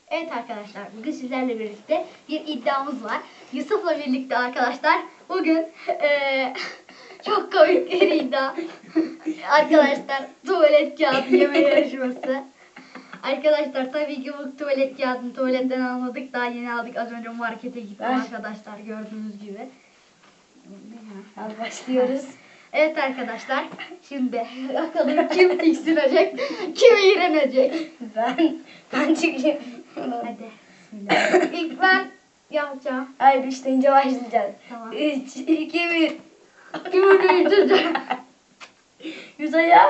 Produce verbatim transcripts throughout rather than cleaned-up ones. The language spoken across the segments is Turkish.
Evet arkadaşlar, bugün sizlerle birlikte bir iddiamız var. Yusuf'la birlikte arkadaşlar bugün eee, çok komik bir iddia. Arkadaşlar tuvalet kağıdı yeme yarışması. Arkadaşlar tabii ki bu tuvalet kağıdını tuvaletten almadık. Daha yeni aldık. Az önce markete gittim Ver. arkadaşlar gördüğünüz gibi. Hadi başlıyoruz. Evet arkadaşlar, şimdi bakalım kim tiksinecek, kim iğrenecek. Ben, ben çıkayım. Hadi. Bismillah. İlk ben yapacağım. Hayır, üç deyince başlayacağız. Tamam. Üç, iki, bir. Kim ödeyecek? Yüz ayağı.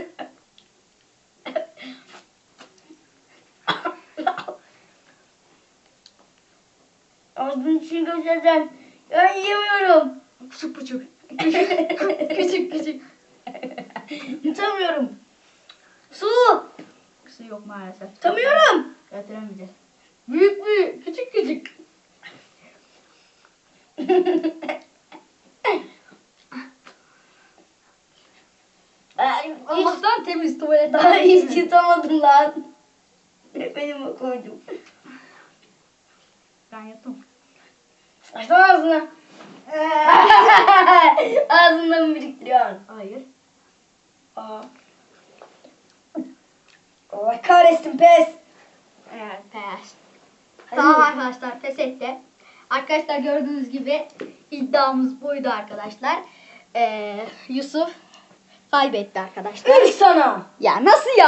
Ağzının içini göstereceğim. Ben yiyemiyorum. Küçük küçük. Küçük küçük. küçük. Yutamıyorum. Su. Su yok maalesef. Yutamıyorum. Götüremeyeceğiz. Büyük büyük. Küçük küçük. Ay, hiç, Allah'tan temiz tuvalet. daha hiç yutamadım lan. Benim o koydum. Ben yuttum. Açsana ağzını. Ağzından mı biriktiriyorsun? Hayır. Aa. Allah kahretsin, pes. Evet pes. Hadi. Tamam arkadaşlar pes etti. Arkadaşlar gördüğünüz gibi iddiamız buydu arkadaşlar. Ee, Yusuf kaybetti arkadaşlar. Üç sana. Ya nasıl ya?